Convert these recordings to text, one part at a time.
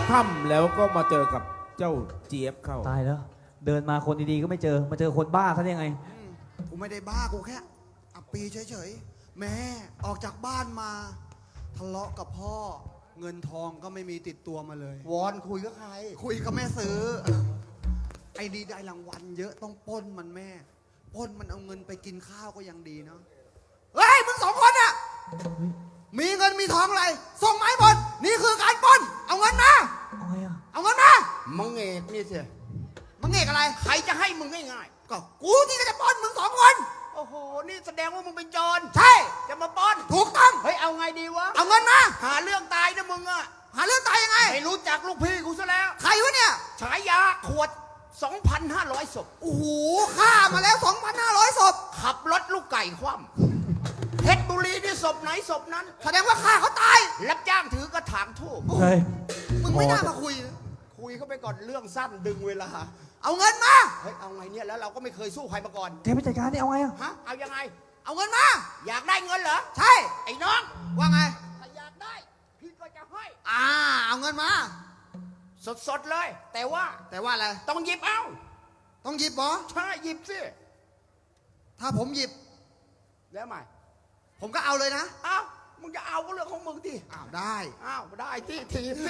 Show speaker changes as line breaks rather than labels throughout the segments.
ค่ำแล้วก็มาเจอกับเจ้าเจี๊ยบเข้า
ตายแล้ว เดินมาคนดีๆก็ไม่เจอมาเจอคนบ้าซะได้ยังไง
กูไม่ได้บ้ากูแค่อับปีเฉยๆแม่ออกจากบ้านมาทะเลาะกับพ่อเงินทองก็ไม่มีติดตัวมาเลยว
อนคุยกับใคร
คุยกับแม่ซื้อไอ้ดีได้รางวัลเยอะต้องปล้นมันแม่ปล้นมันเอาเงินไปกินข้าวก็ยังดีเนาะเฮ้ยมึงสองคนอะมีเงินมีทองอะไรส่งมาให้หมดนี่คือการปล้นเอาเงินมา
เอาไงอ่ะ
เอาเงินมา
มึงเอกนี่สิ
มึงเอกอะไร
ใครจะให้มึงง่าย
ก็กูที่จะปล้นมึงสองคน
ๆโอ้โหนี่แสดงว่ามึงเป็นโจร
ใช่
จะมาปล้น
ถูกต้อง
เฮ้ยเอาไงดีวะ
เอาเงินมา
หาเรื่องตายนะมึงอะ
หาเรื่องตายยังไง
ไม่รู้จักลูกพี่กูซะแล้ว
ใครวะเนี่ย
ฉายาขวด 2,500 ศพ
โอ้โหฆ่ามาแล้ว 2,500 ศพ
ขับรถลูกไก่คว่ำเพชรบุรีนี่ศพไหนศพนั้น
แสดงว่าฆ่าเขาตาย
รับจ้างถือกระถางทูบ
เฮ้ย
มึงไม่น่ามาคุยนะ
คุยเข้าไปก่อนเรื่องสั้นดึงเวลา
เอาเงินมา
เฮ้ยเอาไงเนี่ยแล้วเราก็ไม่เคยสู้ใครมาก่อน
แกไปจัดการนี่เอาไงอ่ะ
ฮะเอายังไง
เอาเงินมา
อยากได้เงินเหรอ
ใช่
ไอ้น้อง
ว่าไง
ถ้าอยากได้พี่ก็จะให้
เอาเงินมา
สดๆเลย แต่ว่า
แต่ว่าอะไร
ต้องหยิบเอา
ต้องหยิบเหรอ
ใช่หยิบสิ
ถ้าผมหยิบ
แล้วใหม่
ผมก็เอาเลยนะ
อ้าวมึงจะเอาก็เรื่องของมึงดิ
อ้าวได้
อ้าวได้ที่ทีสิ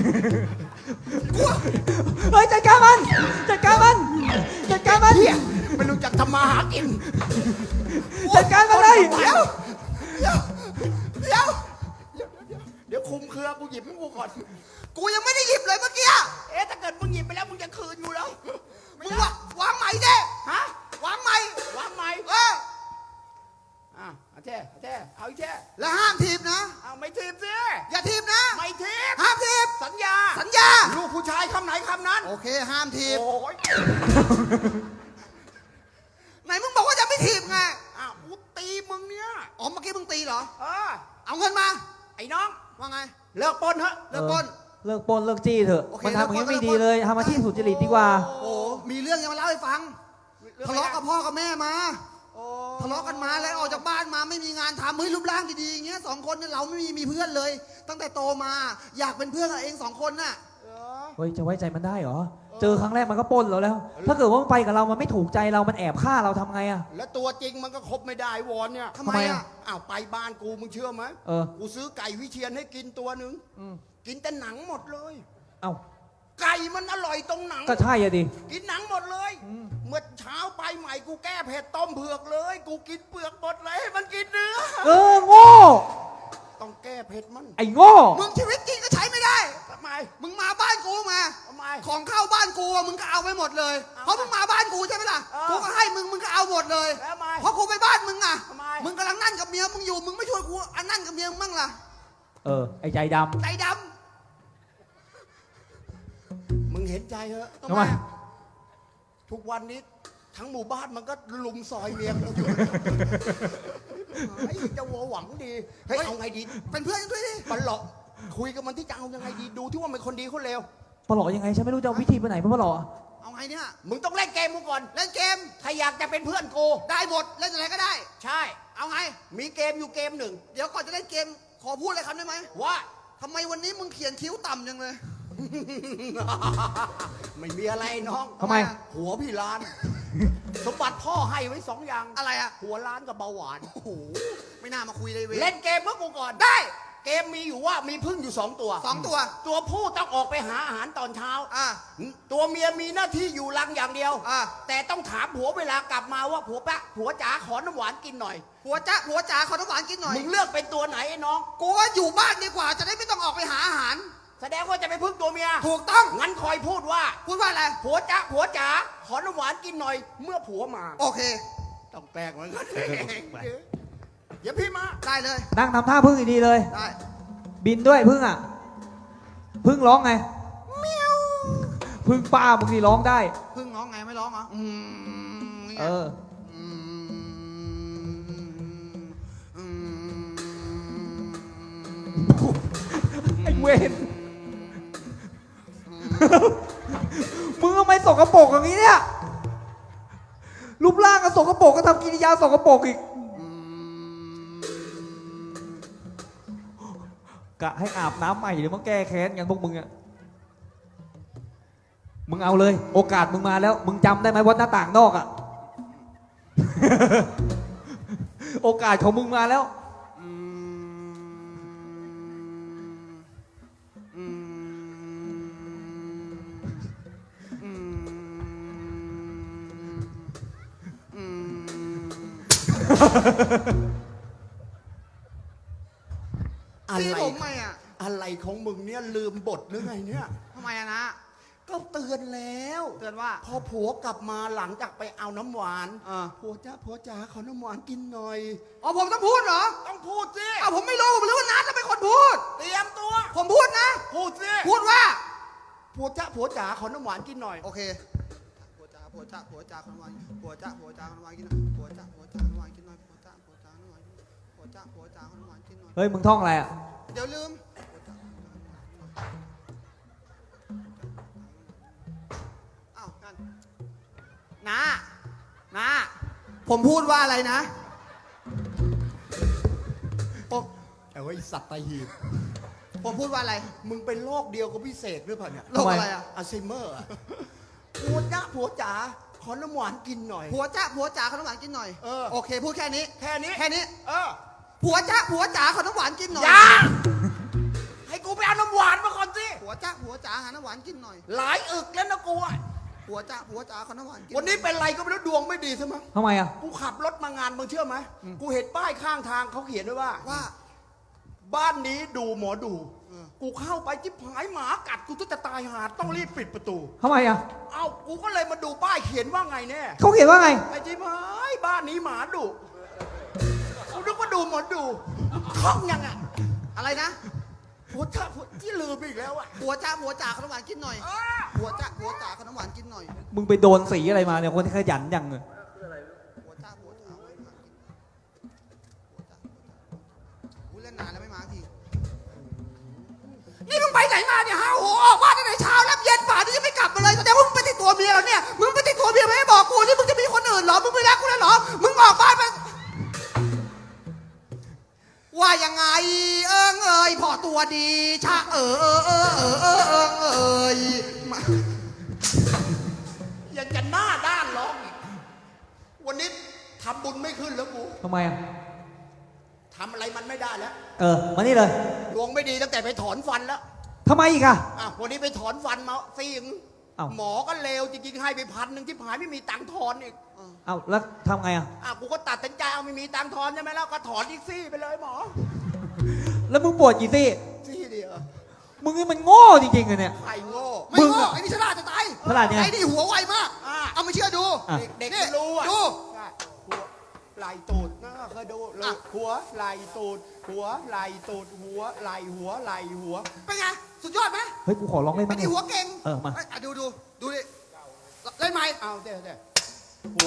เฮ้ยจัดการมันจัดการมันจัดการมัน
เฮียไม่รู้จักทำมาหากิน
จัดการมันเลย
เดี๋ยวเดี๋ยวเดี๋ยวเดี๋ยวคุมเครือกูหยิบให้กูก่อน
กูยังไม่ได้หยิบเลยเมื่อกี้
เอ๊ะถ้าเกิดมึงหยิบไปแล้วมึงจะคืนอยู่แล้ว
มึงวางใหม่ดิ
ฮะ
วางใหม่
วางไหม
เออ
เอาแท้เอาอีกแท้
แล้วห้ามทีบนะ
เอาไม่ทีบสิ
อย่าทีบนะ
ไม่ทีบ
ห้ามทีบ
สัญญา
สัญญา
ลูกผู้ชายคำไหนคำนั้น
โอเค ห้ามทีบ
โอ้ย
ไหนมึงบอกว่าจะไม่ทีบไง
อ้าวกูตีมึงเนี่ย
อ๋อ เมื่อกี้มึงตีเหรอ
เออ
เอาเงินมา
ไอ้น้อง
ว่าไง
เลิกปล้นเถอะ
เลิกปล้น
เลิกปล้นเลิกจี้เถอะ
โอเค
มันทำอย่างนี้
เลิกปล้น
ไม่ดีเลยทำอาชีพสุจริตดีกว่า
โอ้โหมีเรื่องยังมาเล่าให้ฟัง ทะเลาะกับพ่อกับแม่มา
โอ้
ทะเลาะกันมาแล้วออกจากบ้านมาไม่มีงานทำเฮ้ยรูปร่างดีๆอย่างเงี้ยสองคนเนี่ยเราไม่มีเพื่อนเลย ตั้งแต่โตมาอยากเป็นเพื่อนกับเองสองคนน่ะ
เออ
เฮ้ยจะไว้ใจมันได้เหรอ เจอครั้งแรกมันก็ปล้นเราแล้ว ถ้าเกิดว่ามันไปกับเรามันไม่ถูกใจเรา มันแอบฆ่าเราทำไงอ่ะ
แล้วตัวจริงมันก็คบไม่ได้วอนเนี่ย
ทำไม
ทำไม
อ่ะ
อะ
อ้าวไปบ้านกูมึงเชื่อไหม
เออ
กูซื้อไก่วิเชียนให้กินตัวหนึ่ง
อืม
กินแต่หนังหมดเลย
เอ้า
ไก่มันอร่อยตรงหนัง
ก็ใช่อะดิ
กินหนังหมดเลย
อืม
เมื่อเช้าไปใหม่กูแก้เผ็ดต้มเผือกเลย กูกินเปลือกหมดเลยให้มันกินเนื้อ
เออโง่
ต้องแก้เผ็ดมัน
ไอ้โง่
มึงชีวิตจริงก็ใช้ไม่ได้
ทำไม
มึงมาบ้านกูมา
ทำไม
ของเข้าบ้านกูอะมึงก็เอาไปหมดเลย
เอา
เพราะมึงมาบ้านกูใช่ไหมล่ะ
เออ
กูก็ให้มึงก็เอาหมดเลย
แล้วทำไม
เพราะกูไปบ้านมึงอ่ะ
ทำไม
มึงกำลังนั่นกับเมียมึงอยู่ มึงไม่ช่วยกูอันนั่นกับเมียมึงบ้างล่ะ
เออ ไอ้ใจด
ใจด
มึงเห็นใจเหอะ
ำ
ทำไม
อะ
ทุกวันนี้ทั้งหมู่บ้านมันก็ลุมซอยเมียกูอยู่ ไอ้เจ้าวัวหวังดีเฮ้ยเอาไงดี
เป็นเพื่อนกันด้วยดิ
มันหลอกคุยกับมันที่จะเอายังไงดีดูที่ว่ามันคนดีคนเลว
ำปลอยังไงฉันไม่รู้จะเอาวิธีไปไหนเพื่อปลอ
เอาไงเนี่ย
มึงต้องเล่นเกมกูก่อน
เล่นเกม
ถ้าอยากจะเป็นเพื่อนกู
ได้หมด เล่นอะไรก็ได้
ใช่
เอาไง
มีเกมอยู่เกมหนึ่ง
เดี๋ยวก่อนจะเล่นเกม ขอพูดอะไรคำได้ไหม
ว่า
ทำไมวันนี้มึงเขียนคิ้วต่ำจังเลย
ไม่มีอะไรน้อง
ทำไม
หัวพี่ล้าน สมบัติพ่อให้ไว้2 อย่าง
อะไรอ่ะ
หัวล้านกับเบาหวาน
โอ้โห ไม่น่ามาคุยเลยเว้ย
เล่นเกมเมื่อกูก่อน
ได้
เกมมีอยู่ว่ามีพึ่งอยู่ 2 ตัว
2 ตัว
ตัวผู้ต้องออกไปหาอาหารตอนเช้า
อ่ะ
ตัวเมียมีหน้าที่อยู่รังอย่างเดียว
อ่ะ
แต่ต้องถามผัวเวลากลับมาว่าผัวจ๋าขอน้ำหวานกินหน่อย
หัวจ๋าขอน้ำหวานกินหน่อย
มึงเลือกเป็นตัวไหนไอ้น้อง
กูว่าอยู่บ้านดีกว่า จะได้ไม่ต้องออกไปหาอาหาร
แสดงว่าจะไปพึ่งตัวเมีย
ถูกต้อง
งั้นคอยพูดว่า
พูดว่าอะไร
ผัวจ๋าขอน้ำหวานกินหน่อย เมื่อผัวมา
โอเค
ต้องแปลกเหมือนกันเดี๋ยวพี่มา
ได้เลย
นั่งทำท่าพึ่งดีๆเลย
ได้
บินด้วยพึ่งอ่ะ พึ่งร้องไงพึ่งป้ามึงนี่ร้องได้
พึ่งร้องไงไม่ร้องเหรอนี่ไง
เออ
อืม
ไอ้เวนมึงทำไมสกปรกอย่างนี้เนี่ย รูปร่างก็สกปรกก็ทำกิริยาสกปรกอีก กะให้อาบน้ำใหม่หรือมาแก้แค้นกันพวกมึงอะมึงเอาเลย โอกาสมึงมาแล้ว มึงจำได้ไหมว่าหน้าต่างนอกอะ โอกาสของมึงมาแล้ว
อืมอืมอืมอืม
อะไร
พี่ผมไหมอ่ะ
อะไรของมึงเนี่ยลืมบทหรือไงเนี่ย
ทำไมอะนะ
ก็เตือนแล้ว
เตือนว่า
พอผัวกลับมาหลังจากไปเอาน้ำหวาน
ผัว
ผัวจ๋าขอน้ำหวานกินหน่อย
อ๋อผมต้องพูดเหรอ
ต้องพูดสิ
อ้าวผมไม่รู้ผมรู้ว่านัทจะเป็นคนพูด
เตรียมตัว
ผมพูดนะ
พูดสิ
พูดว่า
ผัวจ๋าขอน้ำหวานกินหน่อย
โอเคผัวจ้าขนมหวานผัวจ้าขนมหวานกินหน่อยผัวจ้าขนมหวานกินหน่อยผัวจ้าขนมหวานกินหน่อยผัวจ้าขนมหวานกินหน่อย
เฮ้ย มึงท่องอะไรอะ
เดี๋ยวลืมอ้าวกันนะผมพูดว่าอะไรนะผม
ไอ้ไอ้สัตว์ตาหีบ
ผมพูดว่าอะไร
มึงเป็นโรคเดียวกับพี่เสกหรือเปล่าเนี่ย
โรคอะไรอ่ะ
อัลไซเมอร์อะผัวจ๋าขอน้ำหวานกินหน่อย
ผัวจ๋าขนมหวานกินหน่อย โอเคพูดแค่นี้
แค่นี้
แค่นี้
เออ
ผัวจ๋าขนมหวานกินหน่อย
อย่าให้กูไปเอาน้ำหวานมาก่อนสิ
ผัวจ๋าหาน้ำหวานกินหน่อย
หลายอึกแล้วนะกูอะ
ผัวจ๋าขนมหวานกิน
วันนี้เป็นไรก็ไม่รู้ดวงไม่ดีใช่ไหมง
ทำไมอะ
กูขับรถมางานมึงเชื่อไหมกูเห็นป้ายข้างทางเขาเขียนไว้ว่า
ว่า
บ้านนี้ดูหมอดู
เออ
กูเข้าไปจิ๊บหายหมากัดกูจะตายหาต้องรีบปิดประตู
ทำไมอะ
เอ้ากูก็เลยมาดูป้ายเขียนว่าไงแน่
เขาเขียนว่าไง
ไอ้จิ๊บหายบ้านนี้หมาดุกูนึกว่าดูหมอดูคล่องยังอ่ะ
อะไรนะ
ผัวที่ลืมอีกแล้วอ่ะ
ผัวจ๋าขนมหวานกินหน่อย
อ้า
ผัวจ๋าขนมหวานกินหน่อย
มึงไปโดนสีอะไรมาเนี่ย คนที่ขยันยังเลย
ผัวจ๋าขนมหวานกินผัวจ๋าอุ๊ยเล่นนานแล้วไม่มาทีนี่มึงไปไหนมาเนี่ยฮะโอ้โหออกมาตั้งแต่เช้าแล้วเย็นป่านนี้ยังไม่กลับมาเลยแสดงว่ามึงไปติดตัวเมียแล้วเนี่ยมึงไปติดตัวเมียไม่ให้บอกกูนี่มึงจะมีคนอื่นเหรอมึงไม่รักกูแล้วเหรอมึงออกบ้านไปว่ายังไงเอ้ยพอตัวดีชะเอ้ยมา
ยังจะหน้าด้านร้องอีกวันนี้ทำบุญไม่ขึ้นแล้วกู
ทำไมอะ
ทำอะไรมันไม่ได้แล้ว
มานี่เลย
ดวงไม่ดีตั้งแต่ไปถอนฟันแล้ว
ทำไมอีกอะ
อ่ะวันนี้ไปถอนฟันมาซีง
เอ้า
หมอก็เลวจริงๆให้ไป1,000ที่หายไม่มีตังค์ถอนอีก
เอาแล้วทำไงอะ
อ่ะกูก็ตัดสินใจเอาไม่มีตังค์ถอนใช่ไหมแล้วก็ถอนอีกซี่ไปเลยหมอ
แล้วมึงปวดกี่ซี่
ซี่เดียว
มึงนี่มันโง่จริงๆเลยเนี่ย
ไข่โง่
ไม่
มึง
โง่
อะ
ไอ้นี่ฉลาดจะตาย
ฉลาดยังไง
ไอ้นี่หัวไวมาก
อ่ะ
เอามาเชื่อดู
อ่ะ
เด็ก
นี่
ๆรู้อ่ะ
ดู
ใช่หัวไหลตูดนะเคยดู
อ่ะ
หัวไหลตูดหัวไหลตูดหัวไหลหัวไหลหัว
เป็นไงสุดยอดไหม
เฮ้ย กูขอร้องเล่น
ไอ้
บ้างดิ
นี่หัวเก่ง
มา
เอ้ยอ่ะดูดิเล่นไหม
เอาเดี๋ยวหัว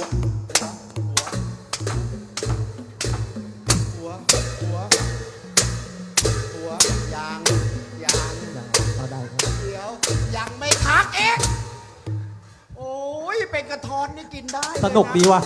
ยาง
เอาได้ครับ
เดี๋ยวยังไม่ทักเองโอ้ยเป็นกระทอนนี่กินได้เลยะ
สนุกดีว่ะ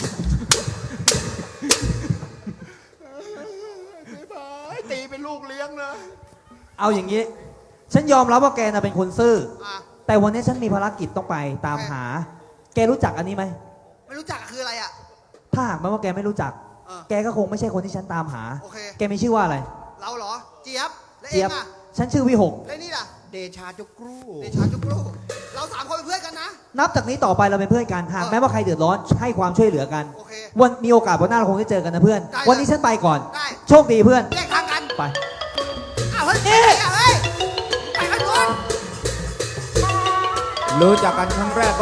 ตีเป็นลูกเลี้ยงเลย
เอาอย่างนี้ ฉันยอมรับว่าแกน่ะเป็นคนซื่อ
อ่ะ
แต่วันนี้ฉันมีภารกิจต้องไปตามหา แกรู้จักอันนี้ไหม
ไม่รู้จักคืออะไรอ่ะ
ถ้าหากแม้ว่าแกไม่รู้จัก
เออ
แกก็คงไม่ใช่คนที่ฉันตามหา
โอเค
แกมีชื่อว่าอะไร
เราเหรอ เจี๊ยบ และเอ
เจี๊ย
ง
บ
อ่ะ
ฉันชื่อวิหก
และนี่ล่ะ
เดชาจุกรู
เดชาจุกรูเราสามคนเป็นเพื่อนกันนะ
นับจากนี้ต่อไปเราเป็นเพื่อนกัน หาก
เออ
แม้ว่าใครเดือดร้อนให้ความช่วยเหลือกัน
โอเค
วันมีโอกาสวันหน้าเราคงได้เจอกันนะเพื่อน
ได้
วันนี้ฉันไปก่อน
ได้
โชคดีเพื่อน
แยกทางกัน
ไป
อ้าวเฮ้ยไปไหนอ่ะเฮ้ยไปกันก่อน
รู้จักกันครั้งแรก